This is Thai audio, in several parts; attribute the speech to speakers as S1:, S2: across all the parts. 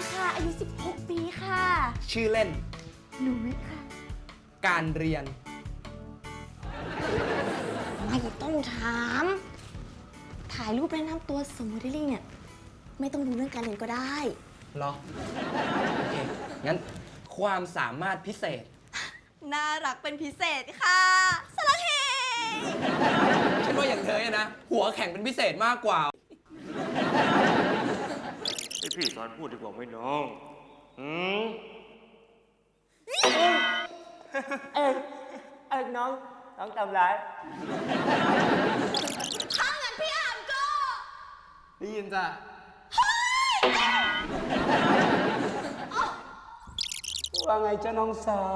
S1: ค่ะอายุ16 ปีค่ะ
S2: ชื่อเล่น
S1: หนูวิทย์ค่ะ
S2: การเรียน
S1: ไม่ต้องถาม ถ่ายรูปแนะนำตัวสมโมเดลลิ่งเนี่ยไม่ต้องรู้เรื่องการเรียนก็ได้
S2: เหรอ โอเค งั้นความสามารถพิเศษ
S1: น่ารักเป็นพิเศษค่ะสลักเฮ
S2: ฉันว่าอย่างเธอนะ หัวแข็งเป็นพิเศษมากกว่า
S3: ให้พี่สอนพูดดีกว่าไหมน้องน้องทำไร
S1: ถ้างั้นพี่อามก็
S2: ได้ยินจ้ะ ว่าไงเจ้าน้องสาว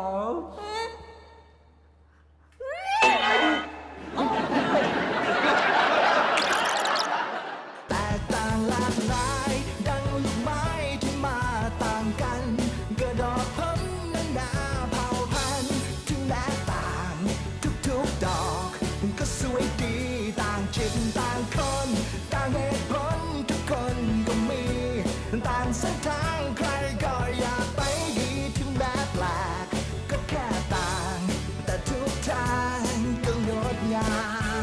S4: แตกต่างหลากหลายดังลูกไม้ที่มาต่างกันกระดอกพ้นนานาเผ่าพันธุ์ถึงแม้ต่างทุกๆดอกก็สวยดีต่างจิตต่างคนต่างเหตุผลทุกคนก็มีต่างเส้นทางใครก็อยากไปดีถึงแม้แปลกก็แค่ต่างแต่ทุกทางก็งดงาม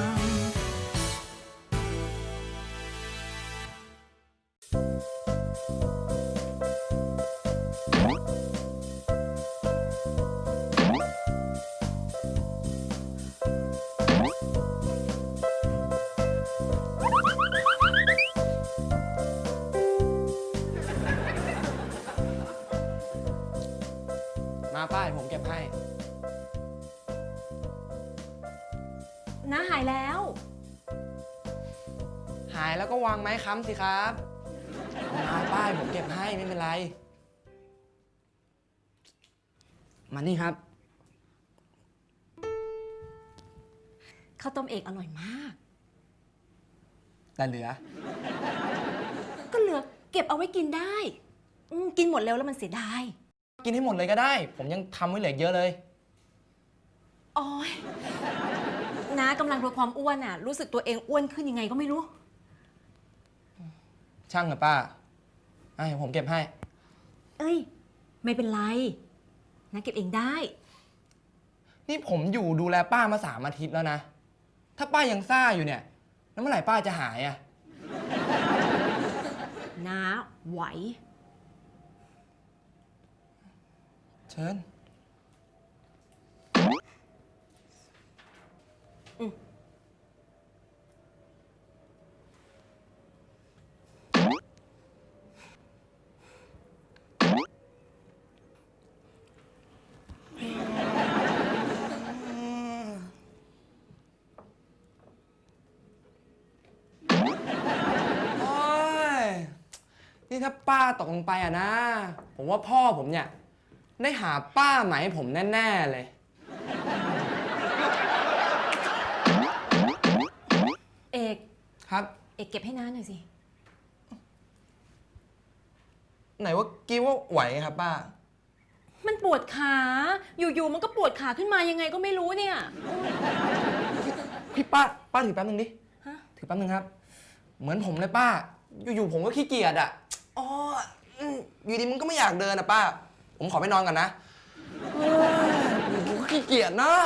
S2: มาป้ายผมเก็บให้
S1: น้าหายแล้ว
S2: หายแล้วก็วางไม้ค้ำสิครับ มาป้ายผมเก็บให้ไม่เป็นไร มานี่ครับ
S1: ข้าวต้มเอกอร่อยมาก
S2: แต่เหลือ
S1: ก็เหลือเก็บเอาไว้กินได้ กินหมดเร็วแล้วมันเสียดาย
S2: กินให้หมดเลยก็ได้ ผมยังทำไว้เหลือเยอะเลย
S1: โอ้ยน้ากำลังลดความอ้วนอ่ะ รู้สึกตัวเองอ้วนขึ้นยังไงก็ไม่รู้
S2: ช่างเหรอป้าผมเก็บให้
S1: เอ้ย ไม่เป็นไรน้าเก็บเองได้
S2: นี่ผมอยู่ดูแลป้ามา3 อาทิตย์แล้วนะ ถ้าป้ายังซ่าอยู่เนี่ย แล้วเมื่อไหร่ป้าจะหายอ่ะ
S1: น้าไหว
S2: เชิญ โอ้ย นี่ถ้าป้าตกลงไปอะนะ ผมว่าพ่อผมเนี่ย ได้หาป้าใหม่ให้ผมแน่ ๆ เลย
S1: เอก
S2: ครับ
S1: เอกเก็บให้น้าหน่อยสิ
S2: ไหนว่ากี้ว่าไหวไงครับป้า
S1: มันปวดขา อยู่ๆมันก็ปวดขาขึ้นมายังไงก็ไม่รู้เนี่ย
S2: พี่ป้าถือแป๊บนึงดิ
S1: ฮะ
S2: ถือแป๊บนึงครับ เหมือนผมเลยป้า อยู่ๆผมก็ขี้เกียจอ่ะอ๋ออยู่ดีมึงก็ไม่อยากเดินอ่ะป้า ผมขอไปนอนก่อนนะผมก็ขี้เกียจนะ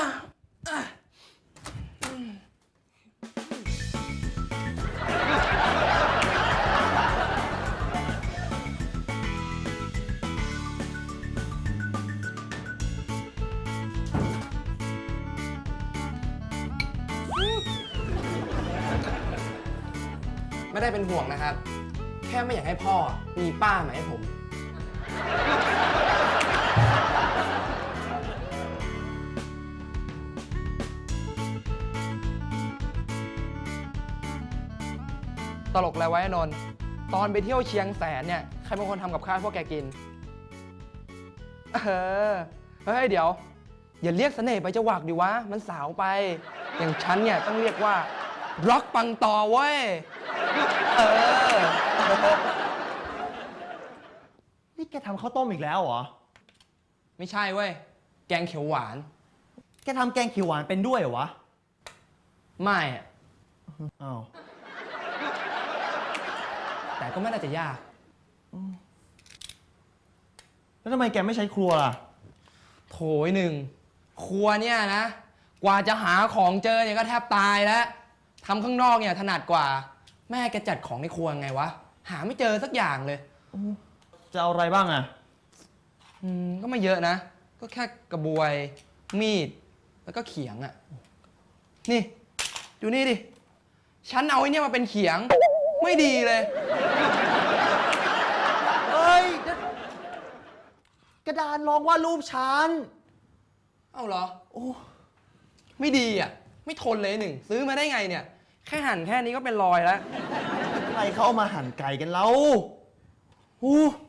S2: ไม่ได้เป็นห่วงนะครับ แค่ไม่อยากให้พ่อมีป้ามาให้ผม ตลกแล้วไว้นนท์ตอนไปเที่ยวเชียงแสนเนี่ย ใครเป็นคนทำกับข้าวพวกแกกิน เฮ้ยเดี๋ยว อย่าเรียกเสน่ห์ไปจะหวักดิวะ มันสาวไป อย่างฉันเนี่ยต้องเรียกว่าร็อกปังต่อเว้ย
S5: นี่แกทำข้าวต้มอีกแล้วเหรอ
S2: ไม่ใช่เว้ย แกงเขียวหวาน
S5: แกทำแกงเขียวหวานเป็นด้วยเหรอวะ
S2: ไม่อะ
S5: อ้าว
S2: แต่ก็ไม่น่าจะยาก
S5: แล้วทำไมแกไม่ใช้ครัวล่ะ
S2: โถยหนึ่งครัวเนี่ยนะ กว่าจะหาของเจอเนี่ยก็แทบตายแล้วทำข้างนอกเนี่ยถนัดกว่า แม่แกจัดของในครัวไงวะ หาไม่เจอสักอย่างเลย
S5: จะเอาอะไรบ้างอะ
S2: ก็ไม่เยอะนะ ก็แค่กระบวย มีด แล้วก็เขียงอะนี่ ดูนี่ดิ ฉันเอาไอ้เนี่ยมาเป็นเขียง ไม่ดีเลย
S5: เฮ้ย กระดานรองวาดรูปฉัน
S2: เอ้าเหรอ โอ้ ไม่ดีอ่ะ ไม่ทนเลยหนึ่ง ซื้อมาได้ไงเนี่ย แค่หั่นแค่นี้ก็เป็นรอยแล้ว
S5: ใครเขาเอามาหั่นไก่กันแล้วอู้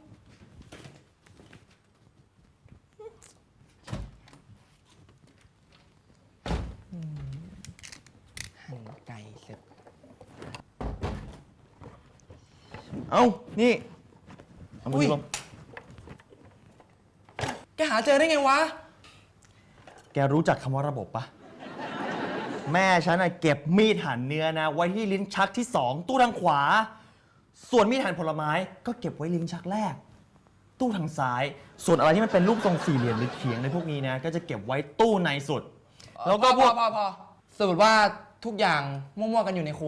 S2: หั่นไก่เสร็จ
S5: เอ้า นี่ เอามื
S2: อุ้
S5: อย ลง
S2: แกหาเจอได้ไงวะ
S5: แกรู้จักคำว่าระบบปะ แม่ฉันน่ะเก็บมีดหั่นเนื้อนะ ไว้ที่ลิ้นชักที่ 2 ตู้ทางขวา ส่วนมีดหั่นผลไม้ก็เก็บไว้ลิ้นชักแรก ตู้ทางซ้าย ส่วนอะไรที่มันเป็นรูปทรงสี่เหลี่ยมหรือเขียงในพวกนี้นะ ก็จะเก็บไว้ตู้ในสุด แล้วก็พวก
S2: พอสรุปว่าทุกอย่างมั่วๆกันอยู่ในครัว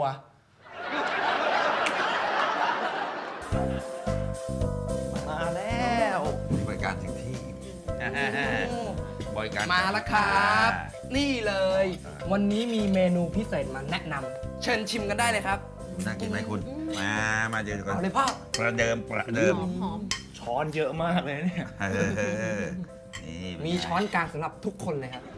S5: มาแล้ว
S6: บริการถึงที่ บริการ
S2: มาแล้วครับ นี่เลย วันนี้มีเมนูพิเศษมาแนะนำเชิญชิมกันได้เลยครับ
S6: น่ากินไหมคุณ มาเจอกัน
S2: เอาเลยพ่อ
S6: ประเดิม
S5: ช้อนเยอะมากเลยเนี่ย
S6: นี่
S2: มีช้อนกลางสำหรับทุกคนเลยครับ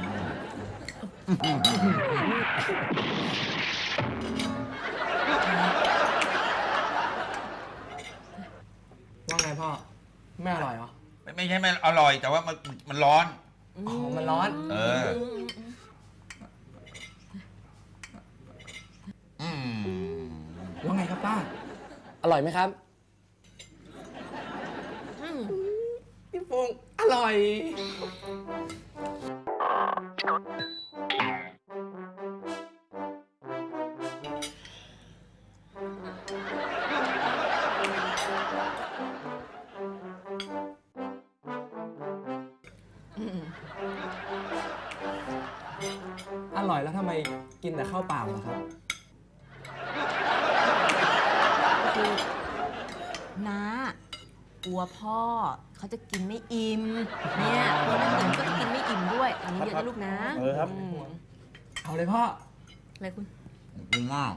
S2: ว่าไงพ่อ ไม่อร่อยเหรอ
S6: ไม่ใช่ไม่อร่อย แต่ว่ามันร้อน
S2: อ๋อ มันร้อน
S6: เอออืม
S2: ว่าไงครับป้า อร่อยไหมครับพี่ฟงอร่อย อร่อยแล้วทำไมกินแต่ข้าวเปล่าล่ะครับ
S1: น้ากลัวพ่อเขาจะกินไม่อิ่ม เนี่ยตัวน้ำหนึ่งก็จะกินไม่อิ่มด้วยอันนี้เยอะนะลูกนะ
S5: เออครับ
S1: ม
S2: เอาเลยพ่อ
S1: อะไรคุณ
S6: กูมาก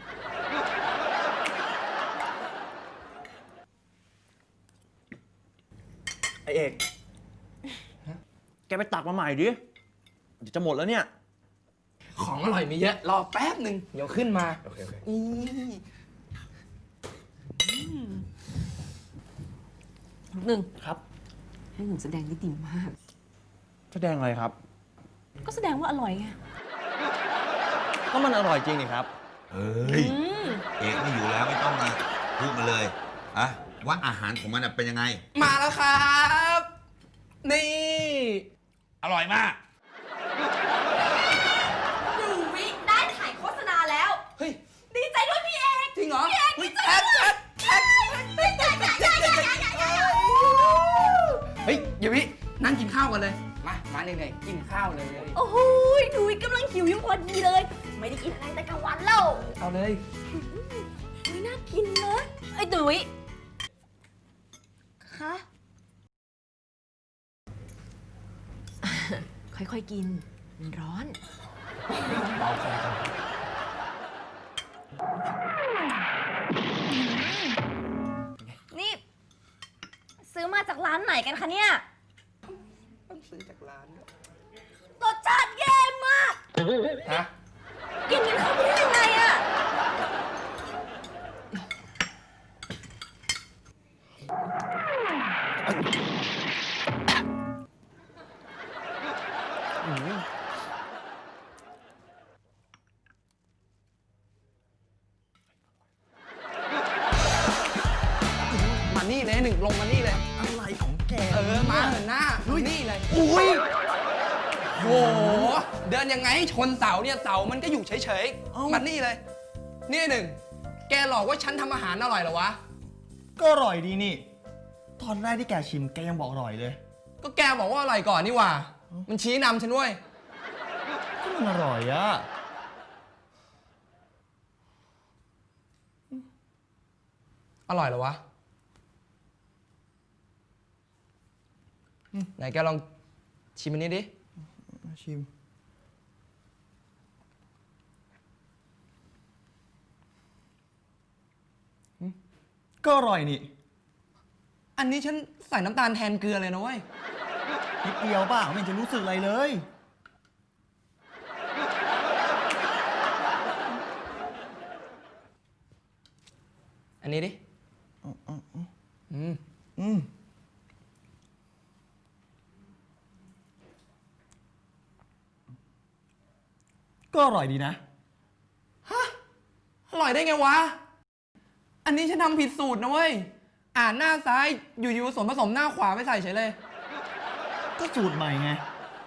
S5: ไอเอก แกไปตักมาใหม่ดิ เดี๋ยวจะหมดแล้วเนี่ย
S2: ของอร่อยมีเยอะ รอแป๊บหนึ่งเดี๋ยวขึ้นมา
S5: โอเค
S2: อี
S1: หนึ่ง
S5: ครับ
S1: ให้หนูแสดงได้ดีมาก
S5: แสดงอะไรครับ
S1: ก็แสดงว่าอร่อยไง
S5: ก็มันอร่อยจริงนี่ครับ
S6: เฮ้ย เอกไม่อยู่แล้วไม่ต้องมาพูดมาเลยอะว่าอาหารของมันเป็นยังไง
S2: มาแล้วครับ นี่
S6: อร่อยมาก
S1: 1 วิได้ถ่ายโฆษณาแล้ว
S2: เฮ้ย
S1: ดีใจด้วยพี่เอก
S2: จริงเหรอ
S1: พี่เอก
S2: เฮ้ย
S1: ดีใจด้วย
S2: เฮ้ยอย่าวินั่งกินข้าวกันเลย มาเหนื่อยๆกินข้าวเลย
S1: โอ้โหหนูกำลังหิวอยู่พอดีเลย ไม่ได้กินอะไรแต่กลางวันแล้ว
S2: เอาเลย
S1: ไม่น่ากินนะไอ้ดุยคะ ค่อยๆกิน มันร้อน นี่ ซื้อมาจากร้านไหนกันคะเนี่ย
S2: ต้องซื้อจากร้าน
S1: รสชาติแย่มาก
S2: ฮะ
S1: กินกันเข้าไปได้ยังไงอะ
S2: มานี่เลยหนึ่งลงมานี่เลย
S5: อะไรของแก
S2: มาเหินหน้านี่เลย อุ้ยโห เดินยังไงชนเสาเนี่ยเสามันก็อยู่เฉยๆ มานี่เลย นี่หนึ่ง แกหลอกว่าฉันทำอาหารอร่อยเหรอวะ
S5: ก็อร่อยดีนี่ตอนแรกที่แกชิมแกยังบอกอร่อยเลย
S2: ก็แกบอกว่าอร่อยก่อนนี่หว่า มันชี้นำฉันเว้ย
S5: ก็มันอร่อยอะ
S2: อร่อยเหรอวะ ไหนแกลองชิมอันนี้ดิ
S5: ชิม ก็อร่อยนี่
S2: อันนี้ฉันใส่น้ำตาลแทนเกลือเลยนะเว้ย
S5: นิดเดียวเปล่าไม่เห็นจะรู้สึกอะไรเลย
S2: อันนี้ดิ
S5: ก็อร่อยดีนะ
S2: อร่อยได้ไงวะ อันนี้ฉันทำผิดสูตรนะเว้ย อ่านหน้าซ้ายอยู่ๆส่วนผสมหน้าขวาไม่ใส่เฉยเลย
S5: ก็สูตรใหม่ไง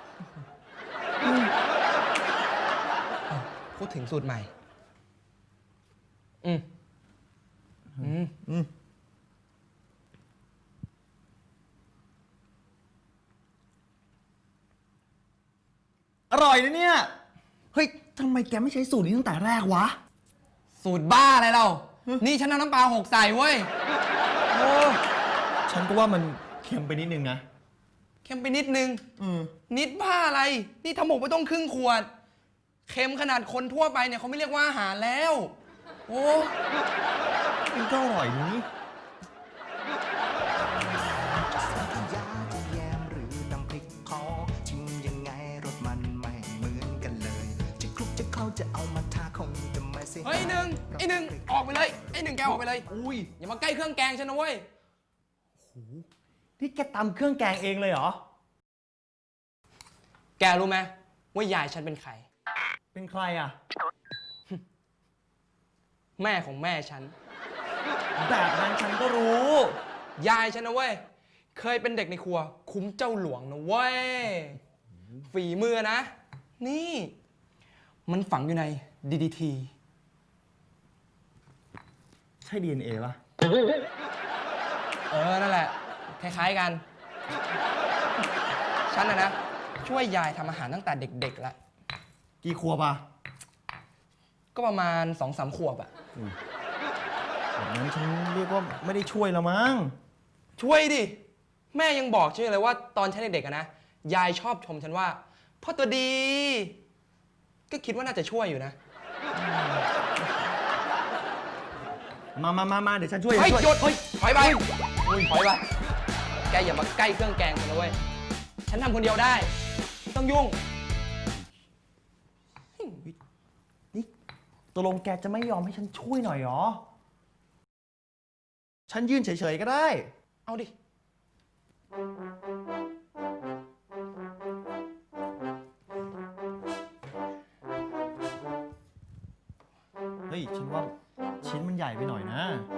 S2: พูดถึงสูตรใหม่
S5: อร่อยนะเนี่ย เฮ้ยทำไมแกไม่ใช้สูตรนี้ตั้งแต่แรกวะ
S2: สูตรบ้าอะไรเรา นี่ฉันเอาน้ำปลาหกใส่เว้ย โอ้
S5: ฉันก็ว่ามันเค็มไปนิดนึงนะ
S2: เค็มไปนิดนึง นิดบ้าอะไร นี่ทำหมกไปต้องครึ่งขวด เค็มขนาดคนทั่วไปเนี่ยเขาไม่เรียกว่าอาหารแล้ว โอ้
S5: มันก็อร่อยดีนี่
S4: ยาจะแยมหรือน้ำพริกเขาชิมยังไงรสมันไม่เหมือนกันเลย จะคลุกจะเข้าจะเอามาทาคงจะไม่เสีย
S2: เฮ้ยไอ้หนึ่งออกไปเลยไอ้หนึ่งแกออกไปเลย
S5: อุ้ย
S2: อย่ามาใกล้เครื่องแกงฉันนะเว้ย
S5: นี่แกตำเครื่องแกงเองเลยเหรอ
S2: แกรู้ไหมว่ายายฉันเป็นใคร
S5: เป็นใครอ่ะ
S2: แม่ของแม่ฉัน
S5: แบบนั้นฉันก็รู้
S2: ยายฉันนะเว้ย เคยเป็นเด็กในครัว คุ้มเจ้าหลวงนะเว้ย ฝีมือนะ นี่ มันฝังอยู่ใน DDT
S5: ใช่ DNA ป่ะ
S2: นั่นแหละ คล้ายๆกัน ฉันนะ ช่วยยายทำอาหารตั้งแต่เด็กๆแล้ว
S5: กี่ขวบอ่ะ
S2: ก็ประมาณ 2-3 ขวบอะ
S5: แบบนั้นฉันเรียกว่าไม่ได้ช่วยแล้วมั้ง
S2: ช่วยดิ แม่ยังบอกฉันเลยว่าตอนฉันเด็กๆอะนะ ยายชอบชมฉันว่าพ่อตัวดี ก็คิดว่าน่าจะช่วยอยู่นะ
S5: มาเดี๋ยวฉันช่วย
S2: เฮ้ย
S5: ช่วย
S2: หยุด
S5: เฮ้ย
S2: ถอยไปถอยไป แกอย่ามาใกล้เครื่องแกงฉันนะเว้ย ฉันทำคนเดียวได้ไม่ต้องยุ่ง
S5: นี่ตกลงแกจะไม่ยอมให้ฉันช่วยหน่อยเหรอ ฉันยืนเฉยๆก็ได้
S2: เอาดิ
S5: เฮ้ย ฉันว่าชิ้นมันใหญ่ไปหน่อยนะ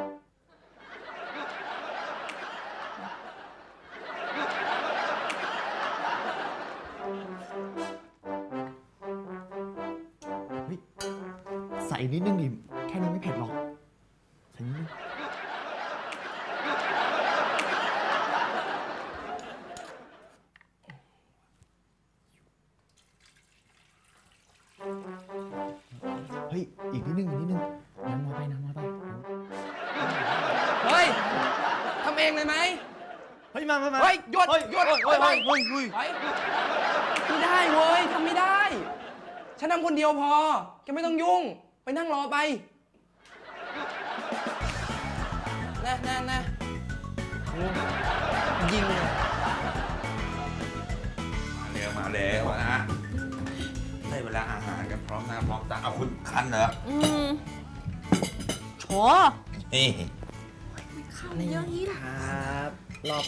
S5: เฮ้ย ใส่นิดนึงดิ แค่นี้ไม่เผ็ดหรอก ใส่นิดนึง เฮ้ย อีกนิดนึง น้ำน้อยไป
S2: เฮ้ย ทำเองเลยไหม
S5: เฮ้ย มา
S2: เฮ้ยหยุด
S5: เฮ้ย
S2: หยุด
S5: เฮ้ย
S2: ไป
S5: เฮ้ย
S2: ไปไม่ได้เว้ยทำไม่ได้ ฉันทำคนเดียวพอ แกไม่ต้องยุ่ง ไปนั่งรอไปนะยิงเลย
S6: มาเร็วนะได้เวลาอาหารกันพร้อมหน้าพร้อมตาเอาคุณคันเหรอ
S1: โฉ
S6: นี่
S5: ครับรอบ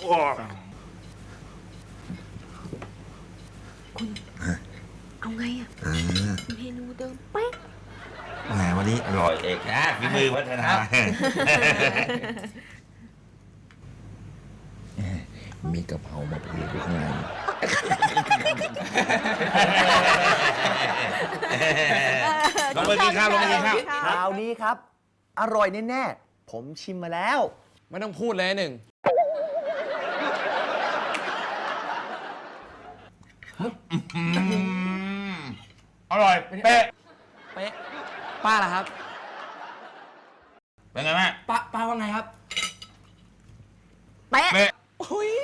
S1: เอาไงอะเมนูเดิมเป๊ะ
S6: แหมวันนี้อร่อยเอกนะฝีมือพัฒนามีกะเพรามาเผื่ออยู่ข้างในลงไปกินข้าวลงไปกินข้าว
S5: คราวนี้ครับ อร่อยแน่ๆ ผมชิมมาแล้ว
S2: ไม่ต้องพูดเลยหนึ่ง
S6: อร่อย เป๊ะ
S2: เป๊ะ ป้าล่ะครับ
S6: เป็นไงแม่
S2: ป้าว่าไงครับ
S1: เป๊ะ
S6: เป๊ะ
S2: อุ๊ย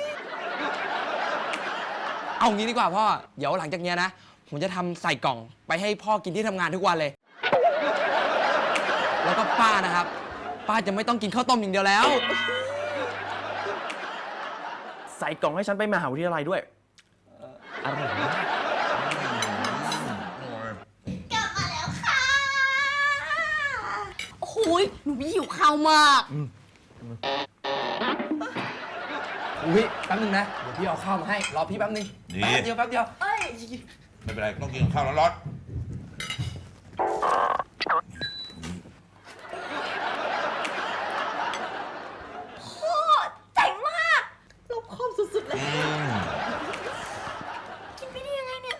S2: เอางี้ดีกว่าพ่อ เดี๋ยวหลังจากเนี้ยนะ ผมจะทำใส่กล่องไปให้พ่อกินที่ทำงานทุกวันเลย แล้วก็ป้านะครับ ป้าจะไม่ต้องกินข้าวต้มอย่างเดียวแล้ว
S5: ใส่กล่องให้ฉันไปมหาวิทยาลัยด้วยอร่อยมาก
S1: โอ้โหยหนูหิวข้าวมาก
S2: อุ้ยแป๊บนึงนะ เดี๋ยวพี่เอาข้าวมาให้ รอพี่แป๊บนึง
S6: ดี
S2: แป๊บเดียวแป๊บเดียว
S6: ไม่เป็นไร ต้องกินข้าวร้อน
S1: เจ๋งมากรอบคอบสุดๆเลย
S6: ๆ
S1: กินไปได้ยังไงเนี่ย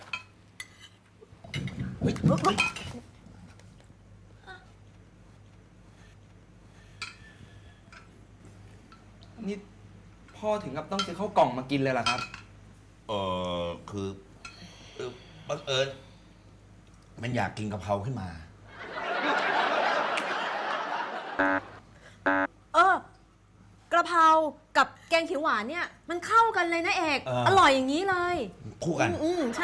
S2: นี่พ่อถึงกับต้องซื้อข้าวกล่องมากินเลยเหรอครับ
S6: คือบังเอิญมันอยากกินกะเพราขึ้นมา
S1: กระเพรากับแกงเขียวหวานเนี่ย มันเข้ากันเลยนะเอก
S6: เออ
S1: อร่อยอย่างนี้เลย
S6: คู่กัน
S1: ใช่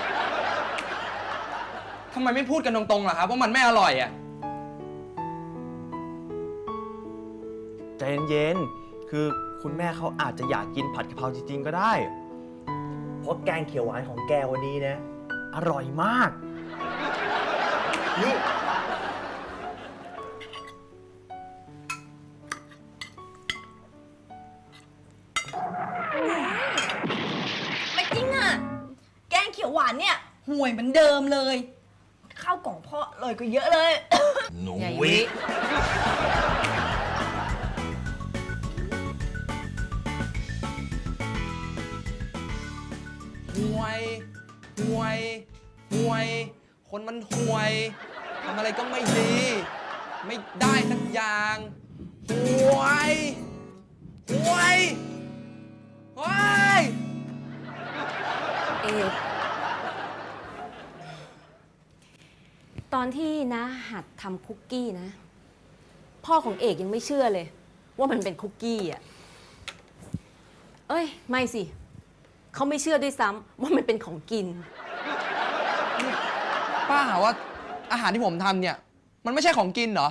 S2: ทำไมไม่พูดกันตรงๆล่ะครับว่ามันไม่อร่อยอ่ะ
S5: ใจเย็นๆ คือคุณแม่เขาอาจจะอยากกินผัดกะเพราจริงๆ ก็ได้ เพราะแกงเขียวหวานของแกวันนี้นะ อร่อยมาก นี่
S1: ไม่จริงอ่ะ แกงเขียวหวานเนี่ยห่วยเหมือนเดิมเลย ข้าวกล่องพ่อเลยก็เยอะเลย
S6: หนู
S1: ใหญ่
S6: วิ
S1: วิ
S2: ห่วยห่วยห่วย คนมันห่วยทำอะไรก็ไม่ดี ไม่ได้สักอย่างห่วยห่วยห่วย
S1: เอกตอนที่นะหัดทำคุกกี้นะ พ่อของเอกยังไม่เชื่อเลย ว่ามันเป็นคุกกี้อ่ะ เอ้ย ไม่สิ เขาไม่เชื่อด้วยซ้ำว่ามันเป็นของกิน
S2: ป้าหาว่าอาหารที่ผมทำเนี่ย มันไม่ใช่ของกินเหรอ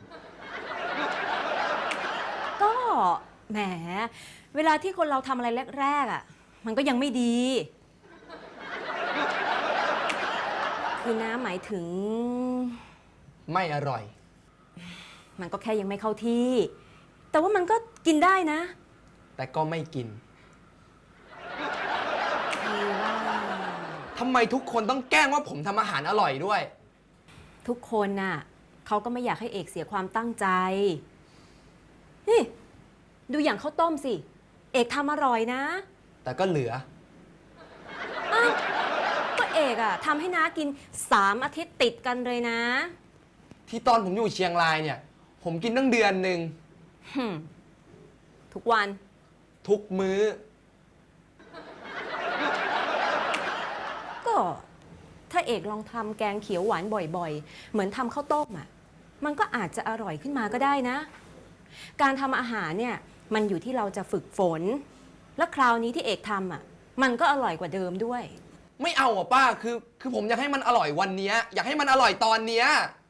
S1: ก็แหม เวลาที่คนเราทำอะไรแรกๆอ่ะ มันก็ยังไม่ดี คือน้าหมายถึง
S2: ไม่อร่อย
S1: มันก็แค่ยังไม่เข้าที่ แต่ว่ามันก็กินได้นะ
S2: แต่ก็ไม่กิน
S1: คือว่า
S2: ทำไมทุกคนต้องแกล้งว่าผมทำอาหารอร่อยด้วย
S1: ทุกคนน่ะเขาก็ไม่อยากให้เอกเสียความตั้งใจ นี่ ดูอย่างข้าวต้มสิ เอกทำอร่อยนะ
S2: แต่ก็เหลือ
S1: อ้าวก็เอกอะทำให้น้ากิน3 อาทิตย์ติดกันเลยนะ
S2: ที่ตอนผมอยู่เชียงรายเนี่ย ผมกินตั้งเดือนหนึ่ง
S1: ทุกวัน
S2: ทุกมื้อ
S1: ก็ถ้าเอกลองทำแกงเขียวหวานบ่อยๆ เหมือนทำข้าวต้มอะมันก็อาจจะอร่อยขึ้นมาก็ได้นะ การทำอาหารเนี่ยมันอยู่ที่เราจะฝึกฝน และคราวนี้ที่เอกทำอะมันก็อร่อยกว่าเดิมด้วย
S2: ไม่เอาอ่ะป้า คือผมอยากให้มันอร่อยวันเนี้ยอยากให้มันอร่อยตอนเนี้ย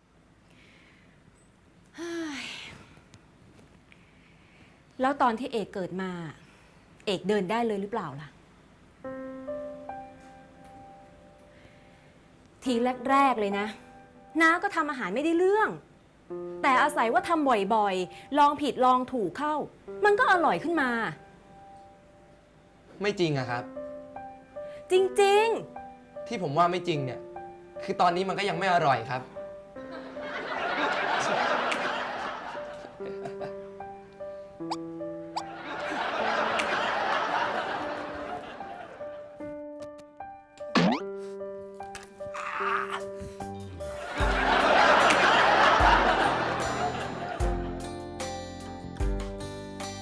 S1: แล้วตอนที่เอกเกิดมา เอกเดินได้เลยหรือเปล่าล่ะ ทีแรกๆเลยนะน้าก็ทำอาหารไม่ได้เรื่อง แต่อาศัยว่าทำบ่อยๆ ลองผิดลองถูกเข้า มันก็อร่อยขึ้นมา
S2: ไม่จริงอะครับ
S1: จริง
S2: ที่ผมว่าไม่จริงเนี่ย คือตอนนี้มันก็ยังไม่อร่อยครับ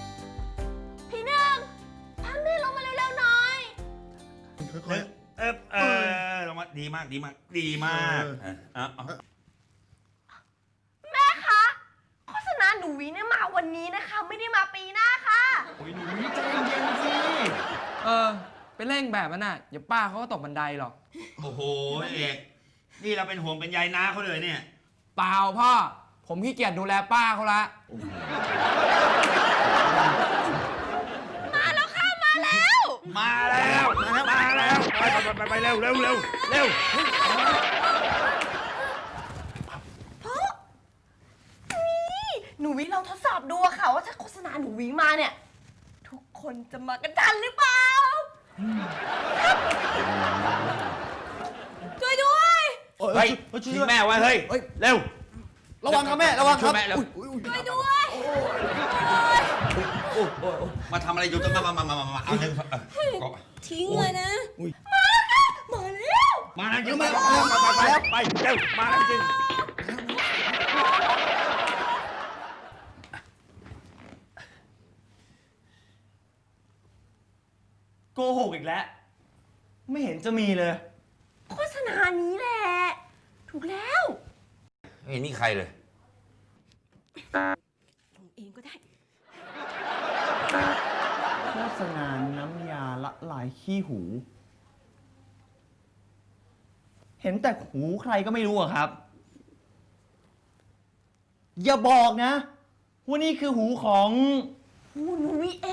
S1: ๆ พี่หนึ่งพาแม่ลงมาเร็วๆหน่อย
S6: ค่อยๆดีมากดีมากดีมากเอา
S7: แม่คะโฆษณาหนูวิเนี่ยมาวันนี้นะคะ ไม่ได้มาปีหน้าค่ะ
S5: โอ้ยหนูวิใจเย็นๆสิ
S2: ไปเร่งแบบนั้นน่ะเดี๋ยวป้าเขาก็ตกบันไดหรอก
S6: โอ้โหเอกนี่เราเป็นห่วงเป็นใยน้าเขาเลยเนี่ย
S2: เปล่าพ่อ ผมขี้เกียจดูแลป้าเขาละ
S7: มาแล้วค่ะ มาแล้ว
S6: มาแล้วไปเร็วเร็วเร็วเร็ว
S7: หนูวิเราทดสอบดูอะค่ะ ว่าถ้าโฆษณาหนูวิมาเนี่ย ทุกคนจะมากันทันหรือเปล่าช่วยด้วย
S6: เฮ้ยทิ้งแม่ไว้เฮ้ยเร็ว
S5: ระวังครับแม่ ระวังครับ
S6: ช่วยแม่เร็ว
S7: ช่วยด้วย
S6: มาทำอะไรอยู่กันมาเอาหนึ่ง
S1: ทิ้งเลยนะ
S7: มาแล้ว
S6: มาแล้วจริงไปเร็วมาแล้วจริง
S5: โกหกอีกแล้ว ไม่เห็นจะมีเลย
S7: โฆษณานี้แหละ ถูกแล้ว
S6: ไม่เห็นมีใครเลย
S1: ลงเองก็ได้
S5: โฆษณาน้ำยาละลายขี้หู เห็นแต่หูใครก็ไม่รู้อะครับ อย่าบอกนะว่านี่คือหูของ
S7: หูหนูวิเอง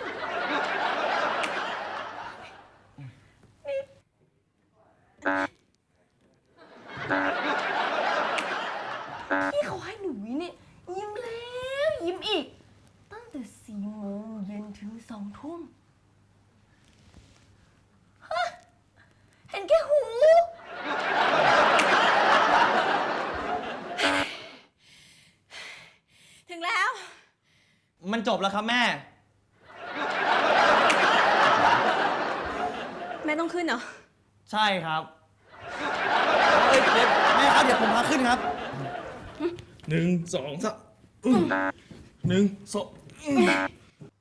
S7: นี่เขาให้หนูวิเนี่ยยิ้มแล้วยิ้มอีก ตั้งแต่4 โมงเย็นถึง2 ทุ่มฮะเห็นแค่หู
S1: ถึงแล้ว
S5: มันจบแล้วครับแม่
S1: แม่ต้องขึ้นเหรอ
S5: ใช่ครับเดี๋ยวแม่ครับเดี๋ยวผมพาขึ้นครับ 1 2 3 1 2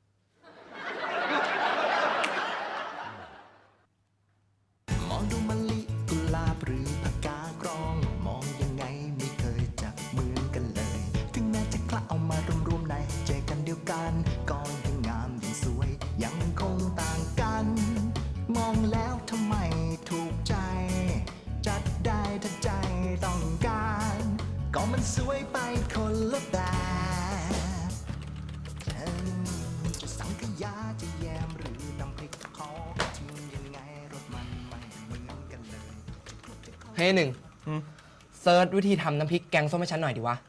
S4: มองดูมะลิกุหลาบหรือผักกาดกรอง มองยังไงไม่เคยจะเหมือนกันเลย ถึงแม้จะคละเอามารวมๆในใจกันเดียวกันก็ยังงามยังสวย ยังคงต่างกัน มองแล้วทำไมถูกใจ จัดได้ถ้าใจต้องการ ก็มันสวยไปคนละแบบจะสังขยาจะแยมหรือตำพริกขอชิมยังไงรสมันไม่เหมือนกันเลย
S2: เฮ้ยหนึ่งเซิร์ชวิธีทำน้ำพริกแกงส้มให้ฉันหน่อยดิวะ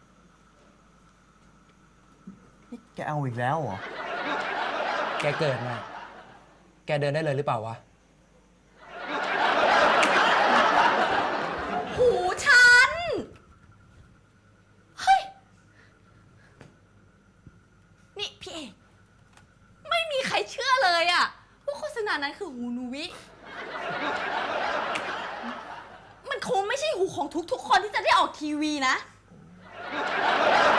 S5: นี่แกเอาอีกแล้วเหรอ
S2: แกเกิดมา แกเดินได้เลยหรือเปล่าวะ
S7: หูฉัน เฮ้ย นี่พี่เอกไม่มีใครเชื่อเลยอะว่าโฆษณานั้นคือหูหนูวิ มันคงไม่ใช่หูของทุกๆคนที่จะได้ออกทีวีนะ